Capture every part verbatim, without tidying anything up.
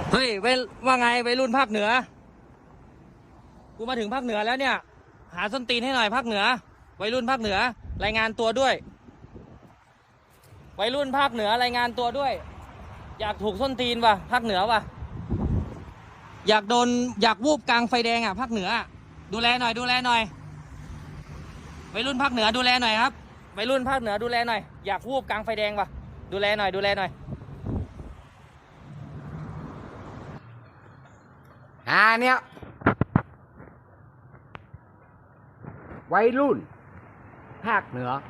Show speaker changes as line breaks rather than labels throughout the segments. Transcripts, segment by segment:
เฮ้ยไปว่าไงไปรุ่นภาคเหนือกูมาถึงภาคเหนือแล้วเนี่ยหาส้นตีนให้หน่อยภาคเหนือวัยรุ่นภาคเหนือรายงานตัวด้วยวัยรุ่นภาคเหนือรายงานตัวด้วยอยากถูกส้นตีนว่ะภาคเหนือว่ะอยากโดนอยากวูบกลางไฟแดงอ่ะภาคเหนือดูแลหน่อยดูแลหน่อยวัยรุ่นภาคเหนือดูแลหน่อยครับวัยรุ่นภาคเหนือดูแลหน่อยอยากวูบกลางไฟแดงว่ะดูแลหน่อยดูแลหน่อย
หาเนี้ยวัยรุ่นภาคเหนือ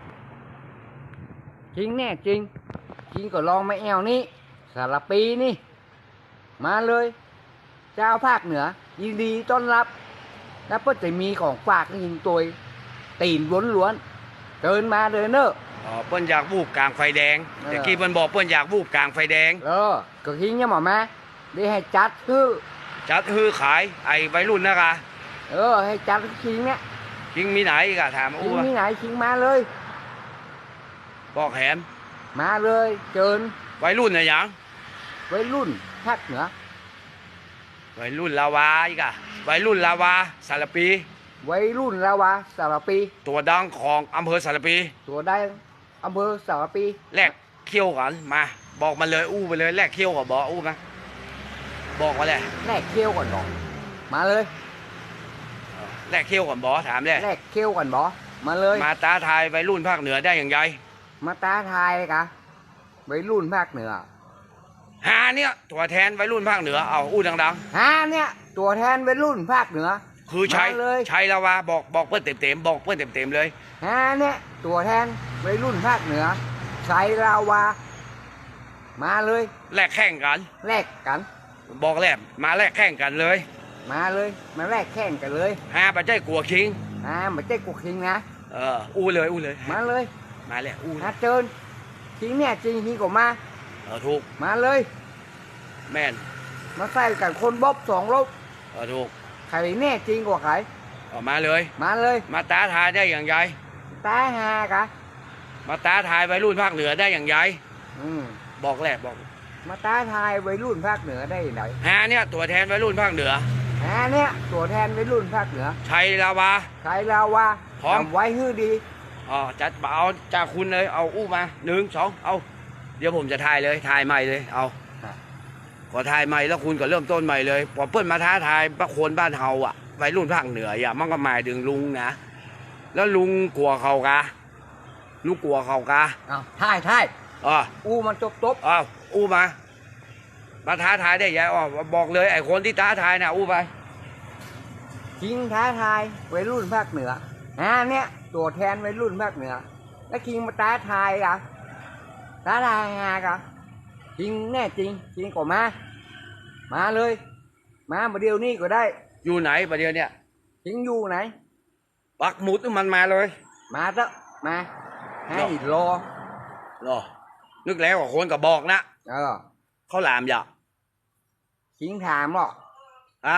จริงแน่จริงจริงก็ลองมาแอวนี้สารปีนี่มาเลยเจ้าภาคเหนือยินดีต้อนรับแล้วก็จะมีของฝากยิงตัวตีนล้วนๆเดินมาเลยเนอะ
อ๋อเปิ้นอยากวูบกลางไฟแดงแต่กี้เปิ้นบอกเปิ้นอยากวูบกลางไฟแดง
เออก็ทิ้งเนี่ยหมอมาได้ให้จัดคือ
จัดฮือขายไอ้วัยรุ่นนะกะ
เออให้จัดทิ้งเนี่ย
ทิ้งมีไหนกะถามอู้
ทิ้งมีไหนทิ้งมาเลย
บอกแหม
มาเลยเจิญ
วัยรุ่นน่ะหยัง
วัยรุ่นภาคเหนือ
วัยรุ่นลาวาอีกอะวัยรุ่นลาวาสารปี
วัยรุ่นลาวาสารปี
ตัวดังของอำเภอสารปี
ตัวได้อำเภอสารปี
แลกเขี้ยวกันมาบอกมาเลยอู้ไปเลยแลกเขี้ยวกับบอกอู้มาบอกมาเลย
แลกเขี้ยวก่อนบอกมาเลย
แลกเขี้ยวก่อนบอถามเลย
แลกเขี้ยวก่อนบอมาเลย
มาตาทายวัยรุ่นภาคเหนือได้อย่างไร
มาตาทายเลยกะวัยรุ่นภาคเหนือ
หาเนี่ยตัวแทนวัยรุ่นภาคเหนือเอาอู้ดัง
ๆหาเนี่ยตัวแทนวัยรุ่นภาคเหนือ
คือใช้ใช้ลาวาบอกบอกเพื่อนเต็มๆบอกเพื่อนเต็มๆเลย
หาเนี่ยตัวแทนวัยรุ่นภาคเหนือใช้ลาวามาเลย
แลกแข่งกัน
แลกกัน
บอกแลกมาแลกแข่งกันเลย
มาเลยมาแลกแข่งกันเลย
ฮาปัจจัยกลัวคิง
ฮาปัจจัยกลัวคิงนะ
เอออู้เลยอู้เลย
มาเลย
มาเลยอู้
ฮาเจิญคิงเนี่ยจริงคิงก็มา
เออถูก
มาเลย
แม่น
มาใส่กันคนบ๊อบสองรถ
เออถูก
ใครแน่จริงกว่าใคร
ออกมาเลย
มาเลย
มาตาทายได้อย่างไร
ตาฮากะ
มาตาทายวัยรุ่นภาคเหนือได้อย่างไร
อืม
บอกแหละบอก
มาตาทายวัยรุ่นภาคเหนือได้ไหน
ฮาเนี่ยตัวแทนวัยรุ่นภาคเหนือ
ฮาเนี่ยตัวแทนวัยรุ่นภาคเหนือ
ชัยลาวา
ชัยลาวา
พร้อม
ไว้ฮื้อดี
อ๋อจัดเอาจากคุณเลยเอาอู้มาหนึ่งสองเอาเดี๋ยวผมจะถ่ายเลยถ่ายใหม่เลยเอาก็ถ่ายใหม่แล้วคุณก็เริ่มต้นใหม่เลยพอเปิ้ลมาท้าทายพระโคนบ้านเฮาอ่ะวัยรุ่นภาคเหนืออย่ามันก็หมายถึงลุงนะแล้วลุงกลัวเขากะลุงกลัวเขากะ
อ้าวถ่ายถ่าย
อ๋อ
อู้มันจบจบ
อ้าวอู้มามาท้าทายได้ยังอ๋อบอกเลยไอ้คนที่ท้าทายนะอู้ไป
จริงท้าทายวัยรุ่นภาคเหนืออ่าเนี่ยตัวแทนวัยรุ่นภาคเหนือแล้วคิงมาท้าทายอ่ะท้าทายงากะจริงแน่จริงจริงก็มามาเลยมาประเดี๋ยวนี้ก็ได้
อยู่ไหนประเดี๋ยวเนี่ย
จริงอยู่ไหน
ปักหมุดมันมาเลย
มาเถอะมาให้รอ
รอนึกแล้วกับคนกับบอกนะ
เออ
เขาหลามอย่า
จริงถามหรอ
อะ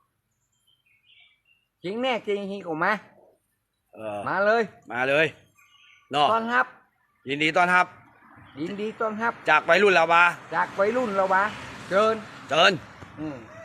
จริงแน่จริงจริงก็มา
เออ
มาเลย
มาเลยเนาะ
ต้อนรับ
ยินดีต้อนรับ
ยินดีต้อนรับ
จากวัยรุ่นเราวะ
จากวัยรุ่นเราวะเชิญ
เชิญ
อืม